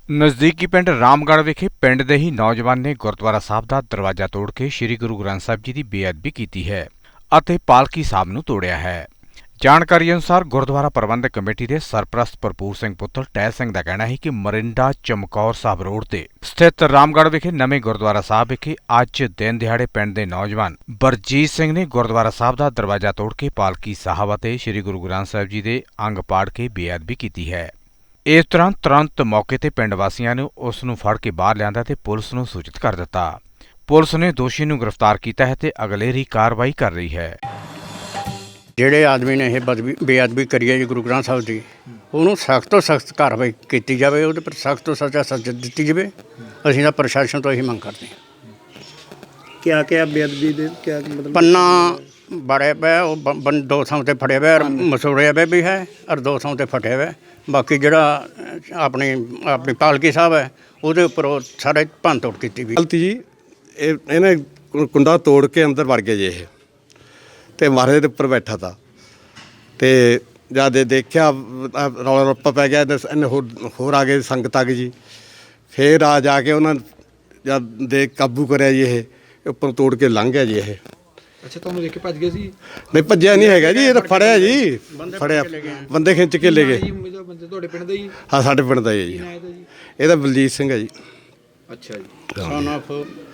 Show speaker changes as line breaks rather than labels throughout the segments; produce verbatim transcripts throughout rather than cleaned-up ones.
ਨਜ਼ਦੀਕੀ ਪਿੰਡ ਰਾਮਗੜ੍ਹ ਵਿਖੇ ਪਿੰਡ ਦੇ ਹੀ ਨੌਜਵਾਨ ਨੇ ਗੁਰਦੁਆਰਾ ਸਾਹਿਬ ਦਾ ਦਰਵਾਜ਼ਾ ਤੋੜ ਕੇ ਸ੍ਰੀ ਗੁਰੂ ਗ੍ਰੰਥ ਸਾਹਿਬ ਜੀ ਦੀ ਬੇਅਦਬੀ ਕੀਤੀ ਹੈ ਅਤੇ ਪਾਲਕੀ ਸਾਹਿਬ ਨੂੰ ਤੋੜਿਆ ਹੈ। ਜਾਣਕਾਰੀ ਅਨੁਸਾਰ ਗੁਰਦੁਆਰਾ ਪ੍ਰਬੰਧਕ ਕਮੇਟੀ ਦੇ ਸਰਪ੍ਰਸਤ ਭਰਪੂਰ ਸਿੰਘ ਪੁੱਤਰ ਟਹਿ ਸਿੰਘ ਦਾ ਕਹਿਣਾ ਹੈ ਕਿ ਮਰਿੰਡਾ ਚਮਕੌਰ ਸਾਹਿਬ ਰੋਡ ਤੇ ਸਥਿਤ ਰਾਮਗੜ੍ਹ ਵਿਖੇ ਨਵੇਂ ਗੁਰਦੁਆਰਾ ਸਾਹਿਬ ਵਿਖੇ ਅੱਜ ਦਿਨ ਦਿਹਾੜੇ ਪਿੰਡ ਦੇ ਨੌਜਵਾਨ ਬਰਜੀਤ ਸਿੰਘ ਨੇ ਗੁਰਦੁਆਰਾ ਸਾਹਿਬ ਦਾ ਦਰਵਾਜ਼ਾ ਤੋੜ ਕੇ ਪਾਲਕੀ ਸਾਹਿਬ ਅਤੇ ਸ੍ਰੀ ਗੁਰੂ ਗ੍ਰੰਥ ਸਾਹਿਬ ਜੀ ਦੇ ਅੰਗ ਪਾੜ ਕੇ ਬੇਅਦਬੀ ਕੀਤੀ ਹੈ। ਇਸ ਤਰ੍ਹਾਂ ਤੁਰੰਤ ਮੌਕੇ ਤੇ ਪਿੰਡ ਵਾਸੀਆਂ ਨੇ ਉਸ ਨੂੰ ਫੜ ਕੇ ਬਾਹਰ ਲਿਆਂਦਾ ਤੇ ਪੁਲਿਸ ਨੂੰ ਸੂਚਿਤ ਕਰ ਦਿੱਤਾ। ਪੁਲਿਸ ਨੇ ਦੋਸ਼ੀ ਨੂੰ ਗ੍ਰਿਫਤਾਰ ਕੀਤਾ ਹੈ ਤੇ ਅਗਲੇਰੀ ਕਾਰਵਾਈ ਕਰ ਰਹੀ ਹੈ।
ਜਿਹੜੇ ਆਦਮੀ ਨੇ ਇਹ ਬਦਬੀ ਬੇਅਦਬੀ ਕਰੀ ਹੈ ਜੀ ਗੁਰੂ ਗ੍ਰੰਥ ਸਾਹਿਬ ਦੀ, ਉਹਨੂੰ ਸਖਤ ਤੋਂ ਸਖਤ ਕਾਰਵਾਈ ਕੀਤੀ ਜਾਵੇ, ਉਹਦੇ ਪਰ ਸਖਤ ਤੋਂ ਸਜ਼ਾ ਸਜ਼ਾ ਦਿੱਤੀ ਜਾਵੇ। ਅਸੀਂ ਤਾਂ ਪ੍ਰਸ਼ਾਸਨ ਤੋਂ ਇਹੀ ਮੰਗ ਕਰਦੇ ਹਾਂ।
ਕਿਆ ਕਿਆ ਬੇਅਦਬੀ ਦੇ ਕਿਆ ਮਤਲਬ
ਪੰਨਾ ਬੜੇ ਪਏ, ਉਹ ਬ- ਬੰ ਦੋ ਥਾਂ 'ਤੇ ਫੜਿਆ ਹੋਇਆ, ਮਸੂੜਿਆ ਹੋਇਆ ਵੀ ਹੈ ਔਰ ਦੋ ਥਾਂ 'ਤੇ ਫਟਿਆ ਹੋਇਆ। ਬਾਕੀ ਜਿਹੜਾ ਆਪਣੀ ਆਪਣੀ ਪਾਲਕੀ ਸਾਹਿਬ ਹੈ ਉਹਦੇ ਉੱਪਰ ਉਹ ਸਾਰੇ ਭੰਨ ਤੋੜ ਕੀਤੀ ਵੀ।
ਗਲਤੀ ਜੀ, ਇਹ ਇਹਨੇ ਕੁ- ਕੁੰਡਾ ਤੋੜ ਕੇ ਅੰਦਰ ਵੜ ਗਿਆ ਜੀ ਇਹ, ਤੇ ਮਹਾਰਾਜ ਦੇ ਉੱਪਰ ਬੈਠਾ ਤਾ ਤੇ ਜਦ ਇਹ ਦੇਖਿਆ ਅਹ ਰੌਲਾ ਰੱਪਾ ਪੈ ਗਿਆ, ਇਹਨੇ ਇਹਨੇ ਹੋਰ ਹੋਰ ਆ ਗਏ, ਸੰਗਤ ਆ ਗਈ ਜੀ। ਫੇਰ ਆ ਜਾ ਕੇ ਉਹਨਾਂ ਜਦ ਦੇ ਕਾਬੂ ਕਰਿਆ ਜੀ, ਇਹ ਉੱਪਰ ਤੋੜ ਕੇ ਲੰਘ ਗਿਆ ਜੀ ਇਹ।
ਅੱਛਾ, ਤੁਹਾਨੂੰ ਦੇਖ ਕੇ ਭੱਜ ਗਏ ਸੀ?
ਨਹੀਂ ਭੱਜਿਆ ਨਹੀਂ ਹੈਗਾ ਜੀ, ਇਹ ਤਾਂ ਫੜਿਆ ਜੀ, ਫੜਿਆ ਬੰਦੇ ਖਿੱਚ ਕੇ ਲੈ ਗਏ।
ਬੰਦੇ ਤੁਹਾਡੇ ਪਿੰਡ ਦੇ ਹੀ?
ਹਾਂ, ਸਾਡੇ ਪਿੰਡ ਦਾ ਹੀ ਹੈ ਜੀ।
ਕਿਹਨਾਂ ਇਹਦਾ ਜੀ?
ਇਹਦਾ ਬਲਜੀਤ ਸਿੰਘ ਹੈ ਜੀ।
ਅੱਛਾ ਜੀ।
ਸਨ ਆਫ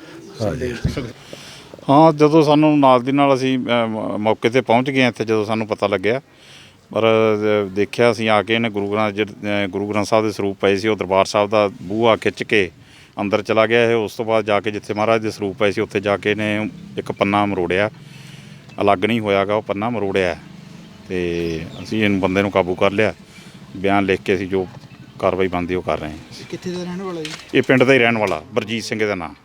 ਹਾਂ, ਜਦੋਂ ਸਾਨੂੰ ਨਾਲ ਦੀ ਨਾਲ ਅਸੀਂ ਅ, ਮ- ਮੌਕੇ 'ਤੇ ਪਹੁੰਚ ਗਏ ਇੱਥੇ, ਜਦੋਂ ਸਾਨੂੰ ਪਤਾ ਲੱਗਿਆ, ਪਰ ਅ, ਦੇਖਿਆ ਅਸੀਂ ਆ ਕੇ ਇਹਨੇ ਗੁਰੂ ਗ੍ਰੰਥ ਜਿਹੜੇ ਅ, ਗੁਰੂ ਗ੍ਰੰਥ ਸਾਹਿਬ ਦੇ ਸਰੂਪ ਪਏ ਸੀ, ਉਹ ਦਰਬਾਰ ਸਾਹਿਬ ਦਾ ਬੂਹਾ ਖਿੱਚ ਕੇ ਅੰਦਰ ਚਲਾ ਗਿਆ ਇਹ। ਉਸ ਤੋਂ ਬਾਅਦ ਜਾ ਕੇ ਜਿੱਥੇ ਮਹਾਰਾਜ ਦੇ ਸਰੂਪ ਪਏ ਸੀ ਉੱਥੇ ਜਾ ਕੇ ਇਹਨੇ ਇੱਕ ਪੰਨਾ ਮਰੋੜਿਆ, ਅਲੱਗ ਨਹੀਂ ਹੋਇਆਗਾ, ਉਹ ਪੰਨਾ ਮਰੋੜਿਆ ਤੇ ਅਸੀਂ ਇਹਨੂੰ ਬੰਦੇ ਨੂੰ ਕਾਬੂ ਕਰ ਲਿਆ। ਬਿਆਨ ਲਿਖ ਕੇ ਅਸੀਂ ਜੋ ਕਾਰਵਾਈ ਬਣਦੀ ਉਹ ਕਰ ਰਹੇ ਹਾਂ।
ਕਿੱਥੇ ਦਾ ਰਹਿਣ ਵਾਲਾ ਜੀ?
ਇਹ ਪਿੰਡ ਦਾ ਹੀ ਰਹਿਣ ਵਾਲਾ ਬਰਜੀਤ ਸਿੰਘ ਦਾ ਨਾਂ।